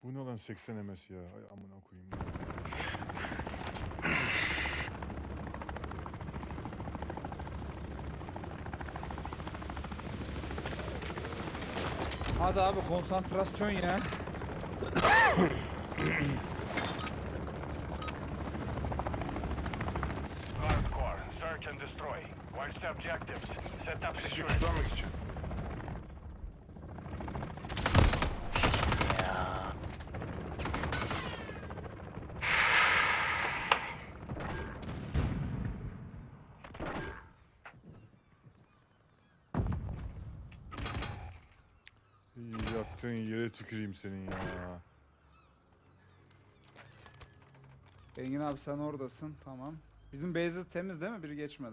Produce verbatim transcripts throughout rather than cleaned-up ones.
Bu ne lan seksen M S ya. Ay amına koyayım. Hadi abi konsantrasyon ya. Hardcore, search and destroy. Watch the objectives. Set up Bizi security. tutmamak için. Ya. İyi, yattığın yere tüküreyim senin ya. Engin abi sen oradasın. Tamam. Bizim base temiz değil mi? Biri geçmedi.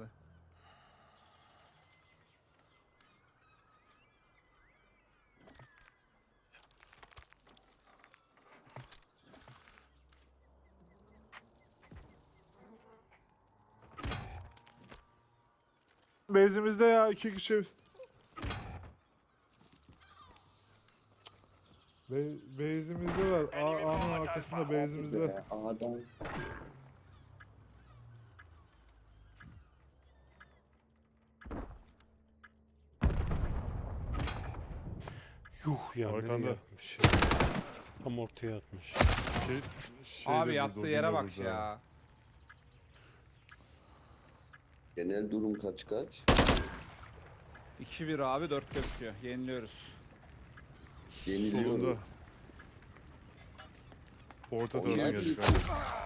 Base'imizde ya iki kişi. Be base'imizde var. A A'nın arkasında base'imizde. A'dan Yuh ya Arkanda. nereye atmış ya. Tam ortaya atmış. Şey, şey de Abi burada, yattığı Odin yere de bak burada. ya. genel durum kaç kaç? iki bir abi dört gözüküyor. Yeniliyoruz. Yeniliyor. Solunda. Orta Onlar tarafa geldik bir- abi.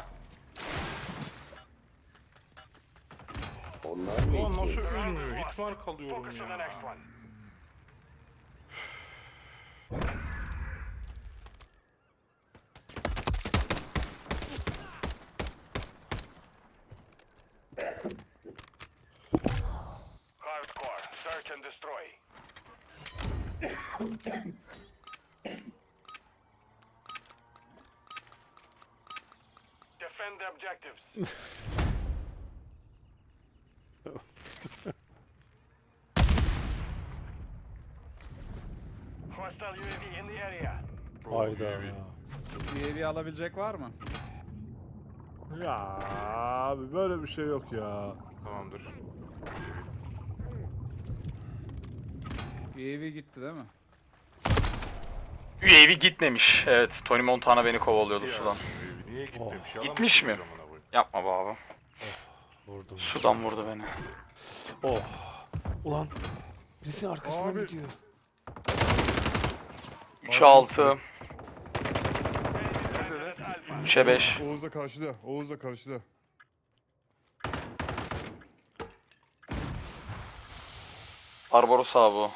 Onlar mı Ulan iki? nasıl ölmüyor? Hitmark alıyorum Focus on the next ya. one. Hardcore, search and destroy. Defend the objectives. Hostile U A V in the area. Hayda. U A V alabilecek var mı? Ya abi böyle bir şey yok ya. Tamamdır. U A V gitti değil mi? U A V gitmemiş. Evet, Tony Montana beni kovalıyordu Ya, sudan. Niye gitmemiş? Yalan Gitmiş mi? söylüyor amına koyayım. Yapma be abi. Vurdum. Sudan vurdu beni. Oh. Ulan. Birisi arkasından Abi. gidiyor. üçe altı, Enemy candidate Alpha. üçe beş. Oğuz da karşıda. Oğuz da karşıda. Barbaros abi o.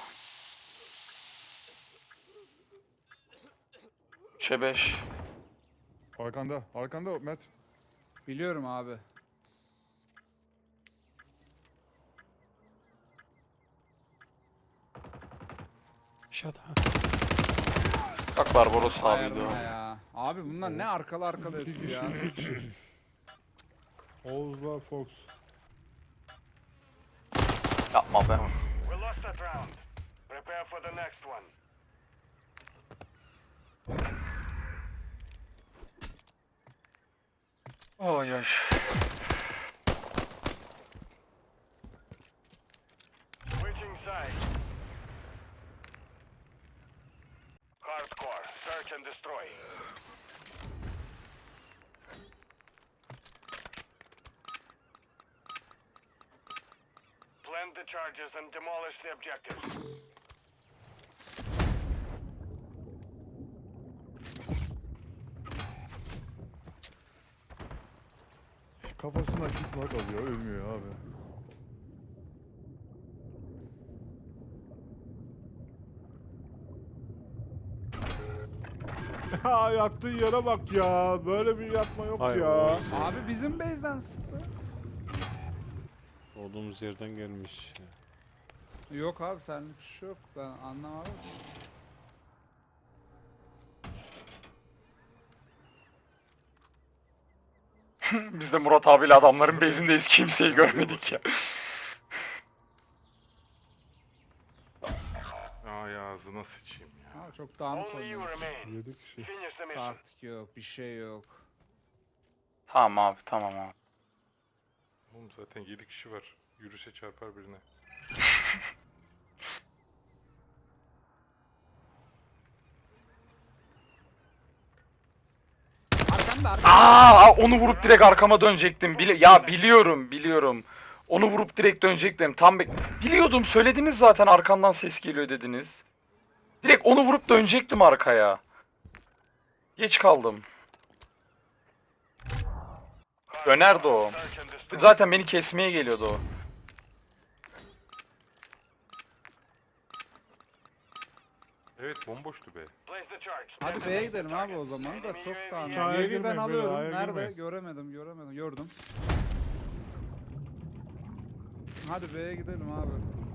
üçe beş. Arkanda. Arkanda Mert. Biliyorum abi. Aşağıda. Bak Barbaros abiydi Ayarına o. ya. Abi bunlar ne arkalı arkalı İki hepsi kişi. ya. iki kişi. Oğuz'la Fox. Yapma be. We lost that round. Prepare for the next one. Oy oy. Switching sides. Hardcore, search and destroy. Plant the charges and demolish the objectives. Kafasından kitmark alıyor. Ölmüyor abi. Ya yattığı yere bak ya. Böyle bir yatma yok Hayır, ya. Oğuz ya. Abi bizim base'den sıktı. Olduğumuz yerden gelmiş. Yok abi senlik bir şey yok. Ben anlamadım. Biz de Murat abiyle adamların base'indeyiz. Kimseyi görmedik ya. Aa Ay ağzına sıçayım ya. Ha, çok dağınık Only you oynuyor. remain. yedi kişi. Finish the mission. Taktik yok, bir şey yok. Tamam abi tamam abi. Oğlum zaten yedi kişi var. Yürüse çarpar birine. Arkanda arkanda. Aa, onu vurup direkt arkama dönecektim. Bili ya biliyorum, biliyorum. Onu vurup direkt dönecektim. Tam be- biliyordum, söylediniz zaten arkamdan ses geliyor dediniz. Direkt onu vurup dönecektim arkaya. Geç kaldım. Dönerdi o. Search and destroy. Zaten beni kesmeye geliyordu o. Evet bomboştu be. Place the charge. Hadi Stand B'ye by gidelim the abi o target. zaman da Enemy çok U A V dağınık. A'ya U A V'yi girmeyin ben beyler, alıyorum. A'ya Nerede? girmeyin. Göremedim, göremedim. Gördüm. Hadi B'ye gidelim abi.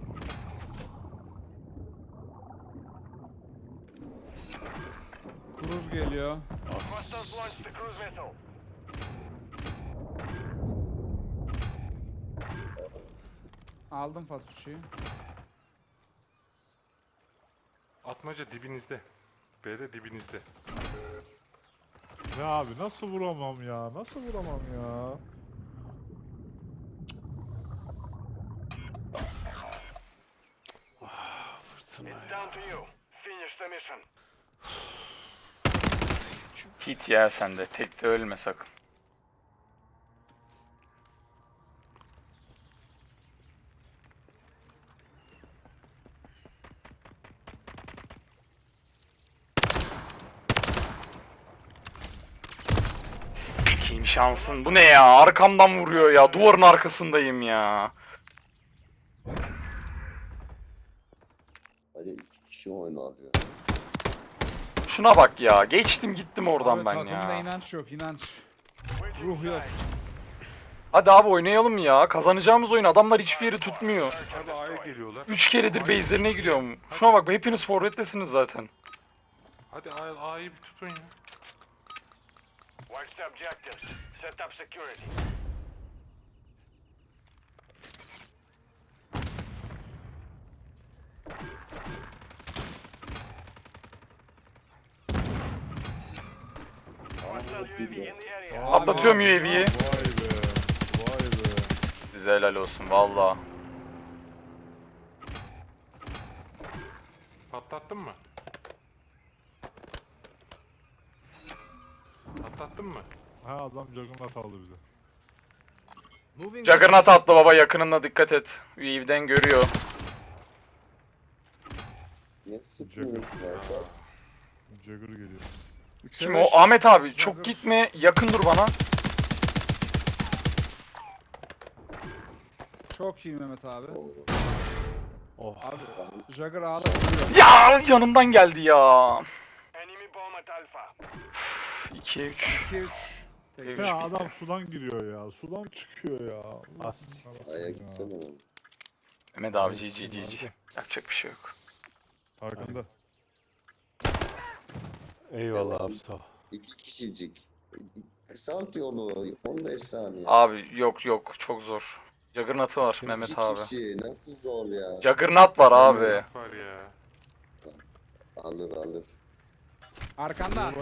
Cruz geliyor. Hostiles launched the cruise missile. Aldım Fatucci'yi. Atmaca dibinizde. B'de dibinizde. Ya abi nasıl vuramam ya? Nasıl vuramam ya? Fırtına It's ya. down to you. Finish the mission. Hit ya sende. Tek de ölme sakın. Kim şansın? Bu ne ya? Arkamdan vuruyor ya. Duvarın arkasındayım ya. Hadi iki kişi oynanıyor. Şuna bak ya. Geçtim gittim oradan Abi ben takımda ya. inanç yok, inanç. Switching Ruh yok. sides. Hadi abi oynayalım ya. Kazanacağımız oyun. Adamlar hiçbir yeri tutmuyor. Search and Hadi A'ya destroy. geliyorlar. Üç keredir base'lerine gidiyorum. Şuna bak hepiniz forvettesiniz zaten. Hadi A- A'yı bir tutun ya. Watch the objectives. Set up security. Hostile U A V in the area. Atlatıyorum U A V'yi. Vay be. Vay be. Size helal olsun valla. Patlattın mı? Patlattın mı? Ha adam Juggernaut aldı bize. Juggernaut atla baba yakınına dikkat et. U A V'den görüyor. Ne sıkıyorsun ya? Jugger geliyor. Üçe Kim beş. o? Ahmet abi çok Jagger. gitme yakın dur bana. Çok iyi Mehmet abi. Oh. Abi Ben Jagger ağda vuruyor. Ya yanımdan geldi ya. Enemy bomb at Alpha. ikiye üç. iki üç. Üç Ya bitti. adam sudan giriyor ya. Sudan çıkıyor ya. Allah As. A'ya ya. gitsene oğlum. Mehmet abi G G G G. Yapacak bir şey yok. Arkanda. Eyvallah abi sağ ol. İki kişicik. Salt yolu on beş saniye. Abi yok yok çok zor. Juggernaut'u var Mehmet İki abi. kişi nasıl zor ya? Juggernaut var abi. Var ya. Alır alır. Arkanda. Ha,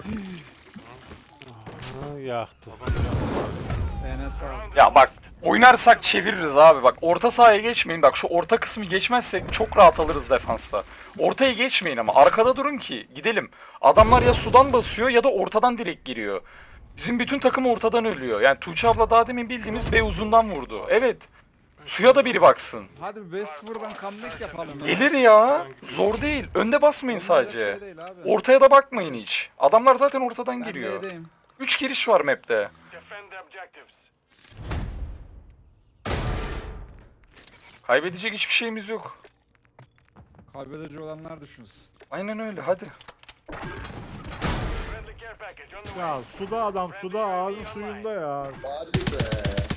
yaktı. Enes sağ ol. Ya bak oynarsak çeviririz abi bak orta sahaya geçmeyin bak şu orta kısmı geçmezsek çok rahat alırız defansta. Ortaya geçmeyin ama arkada durun ki gidelim. Adamlar ya sudan basıyor ya da ortadan direkt giriyor. Bizim bütün takım ortadan ölüyor. Yani Tuğçe abla daha demin bildiğimiz B uzundan vurdu. Evet. Suya da biri baksın. Hadi bir beş sıfırdan comeback yapalım. ya. Gelir ya. Zor değil. Önde basmayın Olmayacak sadece. şey değil abi. Ortaya da bakmayın hiç. Adamlar zaten ortadan Ben giriyor. B'deyim. üç giriş var map'te. Defend the objectives. Kaybedecek hiçbir şeyimiz yok. Kaybedici olanlar düşünsün. Aynen öyle hadi. Friendly care package on the way. Ya suda adam suda ağzın suyunda ya. Hadi be.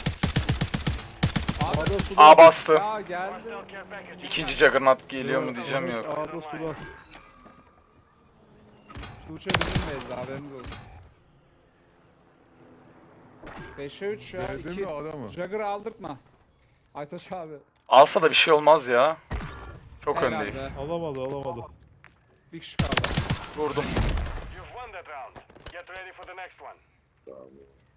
Ağda suda. A bastı. Ya geldi. Hostile care package. İkinci Juggernaut geliyor mu diyeceğim Enes yok. Ağda suda. Tuğçe bizim beyzde haberiniz olsun. beşe üç ya. Geldi iki. mi adamı? Jagger'ı aldırtma. Aytaç abi. Alsa da bir şey olmaz ya. Çok Helal öndeyiz. be. Alamadı alamadı. Bir kişi kaldı. Vurdum. You've won that round. Get ready for the next one. Bravo.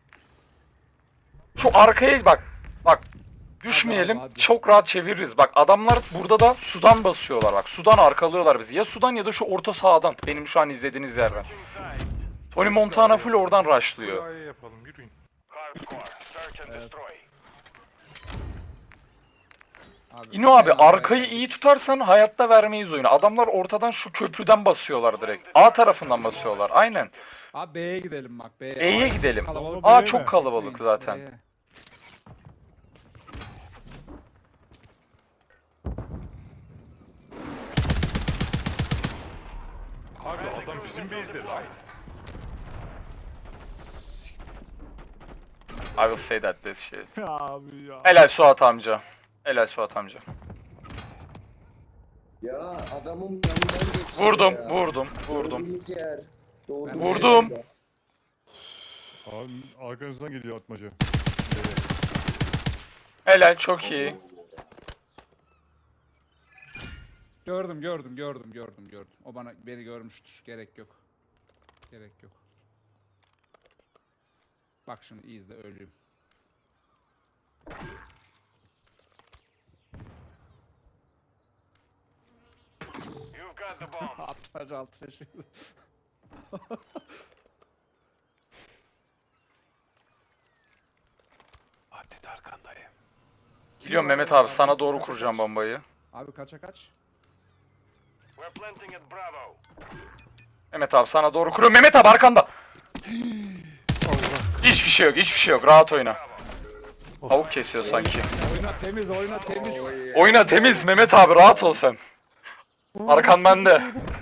Şu arkaya bak. Bak. Düşmeyelim. Hadi abi, hadi. Çok rahat çeviririz. Bak adamlar burada da sudan basıyorlar. Bak sudan arkalıyorlar bizi. Ya sudan ya da şu orta sahadan. Benim şu an izlediğiniz yerden. Inside. Tony Montana full oradan Buraya rushlıyor. yapalım yürüyün. Hardcore. Search and Evet. destroy. Abi, İno abi en arkayı arkaya iyi tutarsan hayatta vermeyiz oyunu. Adamlar ortadan şu köprüden basıyorlar direkt. A tarafından basıyorlar. Aynen. Abi B'ye gidelim bak. B'ye. B'ye Ay, gidelim. kalabalık A B'ye çok mi? kalabalık zaten. B'ye. Abi adam bizim base'de lan. I will say that this shit. Abi ya. Helal Suat amca. Helal Suat amca. Ya adamın yanından geçsin Vurdum, ya. vurdum, vurdum. Doğduğumuz yer. Doğduğumuz Vurdum. yerde. Abi arkanızdan geliyor atmaca. Helal çok iyi. Gördüm gördüm gördüm gördüm gördüm. O bana beni görmüştür. Gerek yok. Gerek yok. Bak şimdi izle ölüyüm. You've got the bomb. Atmaca alt taşı. Hadi arkandayım. Biliyorum Mehmet abi sana doğru kuracağım bombayı. Abi kaça kaç? We're planting at Bravo. Mehmet abi sana doğru kuruyorum. Mehmet abi arkanda. Hiçbir şey yok, hiçbir şey yok. Rahat oyna. Tavuk kesiyor sanki. Oyna temiz oyna temiz. Oy. Oyna temiz Mehmet abi rahat ol sen. Arkan bende.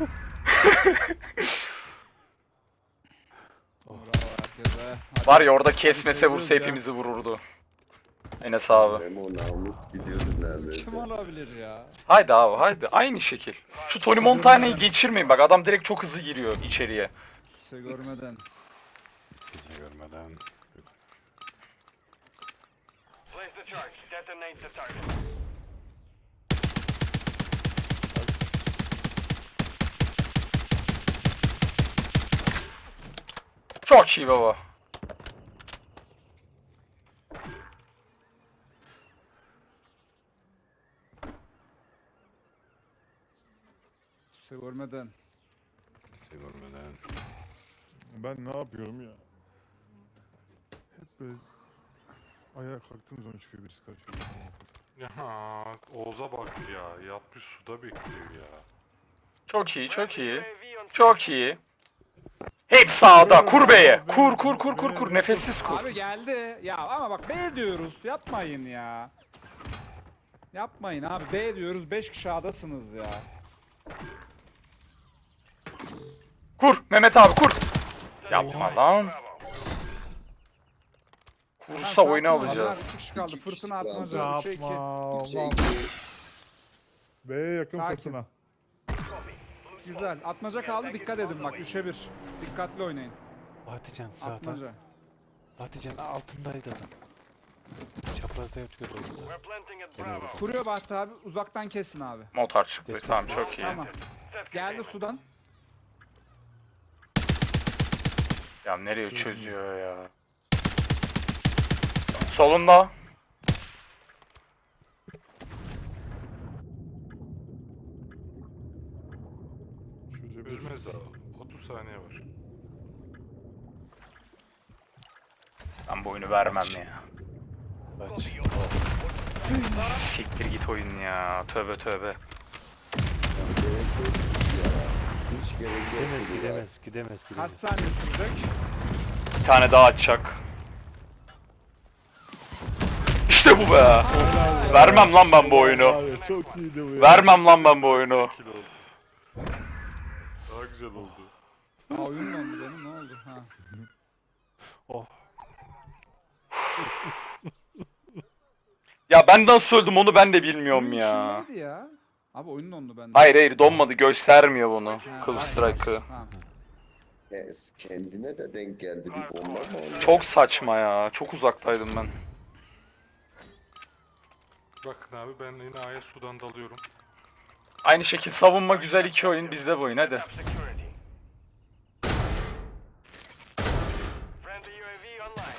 Bravo herkese. Hadi. Var ya orada kesmese vursa hepimizi vururdu. Enes abi. Memo namus gidiyordu neredeyse. Kim olabilir ya? Haydi abi haydi aynı şekil. Şu Tony Montana'yı geçirmeyin bak adam direkt çok hızlı giriyor içeriye. Kimse görmeden. Gece görmeden. Place the charge. Detonate the target. Çok iyi baba. Kimse görmeden. Gece görmeden. Ben ne yapıyorum ya? Hep böyle ayağa kalktığım zaman çıkıyor birisi kaçıyor. Ya Oğuz'a bak ya. Yatmış suda bekliyor ya. Çok iyi çok iyi. U A V on Çok iyi. Hep sağda kur B'ye. Kur kur kur kur kur nefessiz kur. Abi geldi. Ya ama bak B diyoruz. Yapmayın ya. Yapmayın abi. B diyoruz. beş kişi adasınız ya. Kur Mehmet abi kur. Yapma lan. Bravo. Kursa oyunu sakin ol, alacağız. bunlar iki kişi kaldı. İki kişi Fırtına kaldı. atmaca. üçe iki. Yapma. Şey, Allah'ım. B'ye yakın Sakin. fırtına. Güzel. Atmaca kaldı. Dikkat edin bak. üçe bir. Dikkatli oynayın. Batıcan sağda. Atmaca. Batıcan altındaydı adam. Çaprazda yatıyor orada. We're planting at Bravo. Kuruyor Bahtı abi. Uzaktan kesin abi. Motor çıktı tamam çok iyi. Tamam. Set Geldi containment. sudan. Ya nereye çözüyor ya. Solunda. Üzmez daha. otuz saniye var. Ben bu oyunu vermem ya. Kaç. Siktir git oyun ya. Tövbe tövbe. Ya, gerek yok ya. Hiç gerek yok. Gidemez ya. gidemez gidemez Kaç gidemez. saniye sürecek? Bir tane daha atacak. İşte bu be. Vermem lan ben bu oyunu. Abi çok iyiydi bu ya. Vermem lan ben bu oyunu. Kill oldu. Daha güzel oldu. Aa oyun dondu benim. Ne oldu? Ha. Oh. Ya ben nasıl öldüm onu ben de bilmiyorum Suyun ya. içindeydi ya. Abi oyun dondu bende. Hayır hayır donmadı göstermiyor bunu. Ha, Kılıç var. Strike'ı. Tamam. Yes, kendine de denk geldi bir bomba mı ona? Çok saçma ya. Çok uzaktaydım ben. Bakın abi ben yine A'ya sudan dalıyorum. Aynı şekil savunma güzel iki oyun bizde bu oyun hadi. Set up security. Friendly U A V online.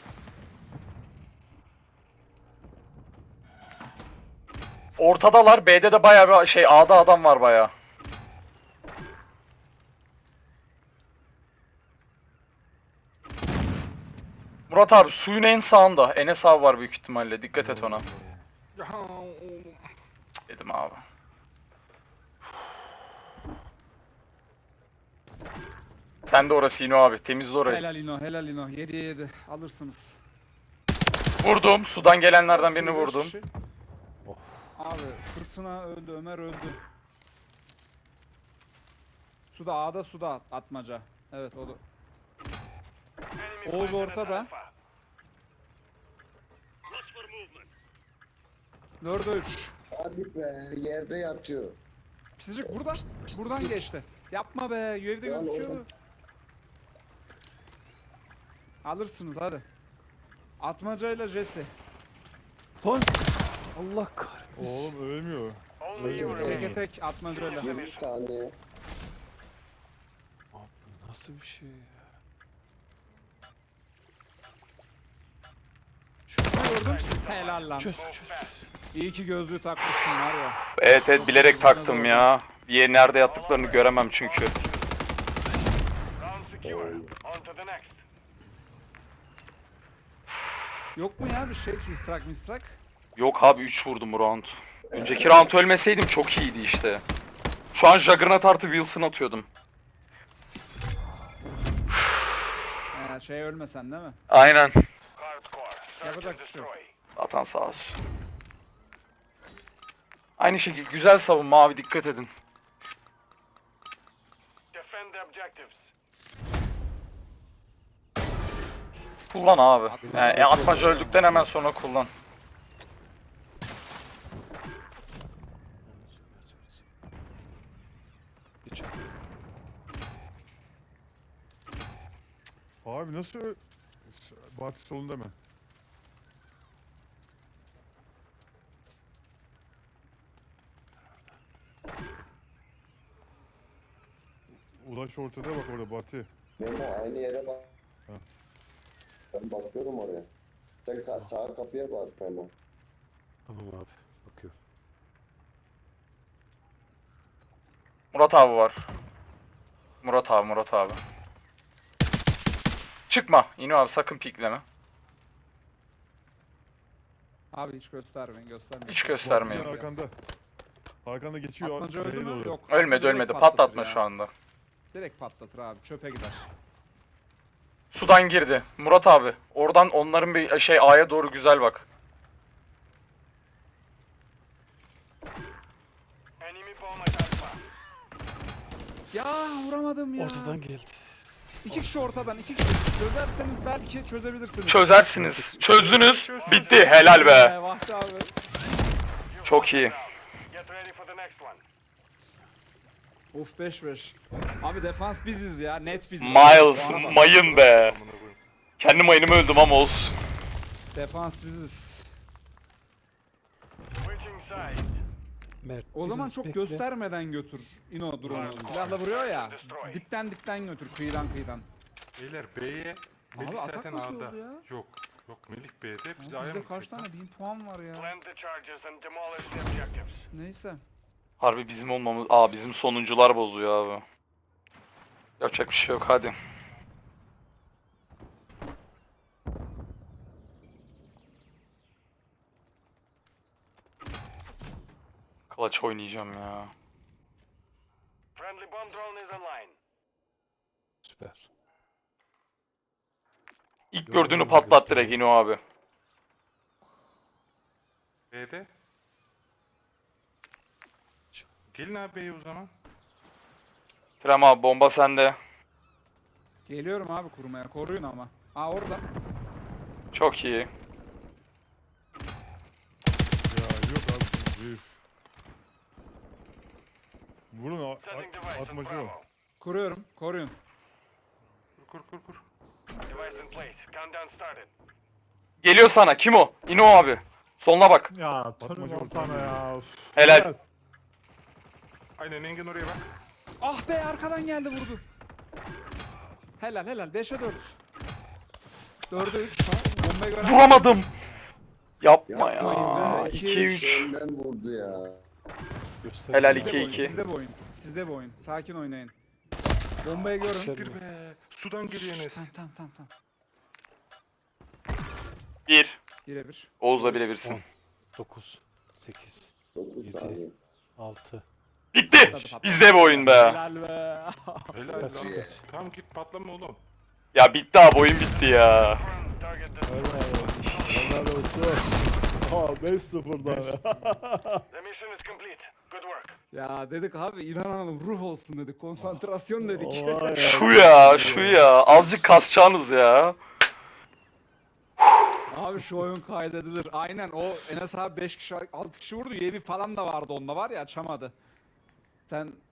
Ortadalar. B'de de bayağı bir şey A'da adam var bayağı. Murat abi suyun en sağında. Enes abi var büyük ihtimalle. Dikkat et ona. Ya, Dedim abi. Sen de orası İno abi. Temizle orayı. Helal ino, helal ino. Yedi yedi. Alırsınız. Vurdum. Sudan gelenlerden birini Beş vurdum. kişi. Abi fırtına öldü, Ömer öldü. Suda A'da suda at- atmaca. Evet o da. Enemy Oğuz planted at ortada. Alpha. Dörde üç. Hadi be yerde yatıyor. Pisicik buradan. Buradan geçti. Yapma be. U A V'de Lan gözüküyordu. oğlum. Alırsınız hadi. Atmacayla Jesse. Lan! Allah kahretsin. Oğlum ölmüyor. Only you Öldü. remain. Teke tek atmacayla. yirmi saniye. Abi bu nasıl bir şey ya? Gördün mü? Helal lan. Çöz Move çöz. fast. İyi ki gözlüğü takmışsın var ya. Evet evet bilerek taktım ya. Diye nerede yattıklarını göremem çünkü. Round secure. On to the next. Yok mu ya bir şey? Kistrak mistrak? Yok abi üç vurdum bu round. Önceki round ölmeseydim çok iyiydi işte. Şu an Juggernaut artı Wilson atıyordum. Ee, şey ölmesen değil mi? Aynen. Hardcore. Search Yapacak and bir şey yok. destroy. Atan sağ olsun. Aynı şekilde güzel savunma abi dikkat edin. Defend the objectives. Kullan abi. Yani, atmaca öldükten hemen sonra kullan. Geç. Abi nasıl ö- S- Batı solunda mı? Ulaş ortada bak orada Batı. Memo aynı yere bak. Ha. Ben bakıyorum oraya. Sen ka- sağ kapıya bak Memo. Tamam abi. Bakıyorum. Murat abi var. Murat abi Murat abi. Çıkma. İno abi sakın pikleme. Abi hiç göstermeyin göstermeyin. Hiç Batıcan göstermeyin. arkanda. Arkanda geçiyor. Atmaca öldü B'ye mü? doğru. Yok. Ölmedi Direkt ölmedi. patlatır Patlatma ya. şu anda. Direkt patlatır abi. Çöpe gider. Sudan girdi. Murat abi. Oradan onların bir şey A'ya doğru güzel bak. Enemy bomb at Alpha. Ya vuramadım ya. Ortadan geldi. İki kişi ortadan. iki kişi. Çözerseniz belki çözebilirsiniz. Çözersiniz. Çözdünüz. Bitti. Helal be. Ee, Vahdi abi. You've Çok won iyi. this round. Get ready for the next one. Of beş beş. Abi defans biziz ya. Net biziz. Miles Bu arada. mayın be. amına koyayım. Kendi mayınımı öldüm ama olsun. Defans biziz. Switching sides. Mert. O zaman biraz çok bekle. göstermeden götür. Ino drone'u. Silahla vuruyor ya. Dipten dipten götür. Kıyıdan kıyıdan. Beyler B'ye. Melih atak zaten nasıl A'da. oldu ya? Yok. Yok Melih B'de. Biz Abi A'ya bizde mı kaç gidecek tane lan? bin puan var ya. Plant the charges and demolish the objectives. Neyse. Harbi bizim olmamız... Aa bizim sonuncular bozuyor abi. Yapacak bir şey yok hadi. Clutch oynayacağım ya. Friendly bomb drone is online. Süper. İlk Yok, gördüğünü yok, patlat yok. direkt İno abi. B'de. Gelin abi B'ye o zaman. Krem abi bomba sende. Geliyorum abi kurmaya. Koruyun ama. Aa orada. Çok iyi. Ya yok abi. Herif. Vurun a- Setting a- device on atmacı o. Bravo. Kuruyorum. Koruyun. Kur kur kur kur. Device in place. Countdown started. Geliyor sana. Kim o? İno abi. Soluna bak. Ya tanım sana ya. Üf. Helal. Aynen Engin oraya bak. Ah be arkadan geldi vurdu. Helal helal beşe dört. dörde üç. Bombayı gören Vuramadım. Yapma Yapmayın ya. be. iki üç. Önden vurdu ya. Göster. Helal Sizde iki bu oyun, iki. Sizde bu oyun. Sizde bu oyun. Sakin oynayın. Bombayı görün. Sen- Siktir be. Sudan geliyor Enes. Tamam tamam tamam tamam. bir. Birebir. Oğuz'la birebirsin. dokuz, sekiz, dokuz Yedi. saniye. altı. Bitti. Patladı, patladı. Bizde bu oyun be. Helal be. Helal lan. Yeah. Tamam git patlama oğlum. Ya bitti abi oyun bitti ya. Confirmed target destroyed. Helal olsun. Ha beş sıfırdan ya. The mission is complete. Good work. Ya dedik abi inanalım ruh olsun dedik. Konsantrasyon dedik. Vay Şu ya şu ya. Azıcık kasacağınız ya. Abi şu oyun kaydedilir. Aynen o Enes abi beş kişi altı kişi vurdu. U A V falan da vardı onda var ya açamadı. Sen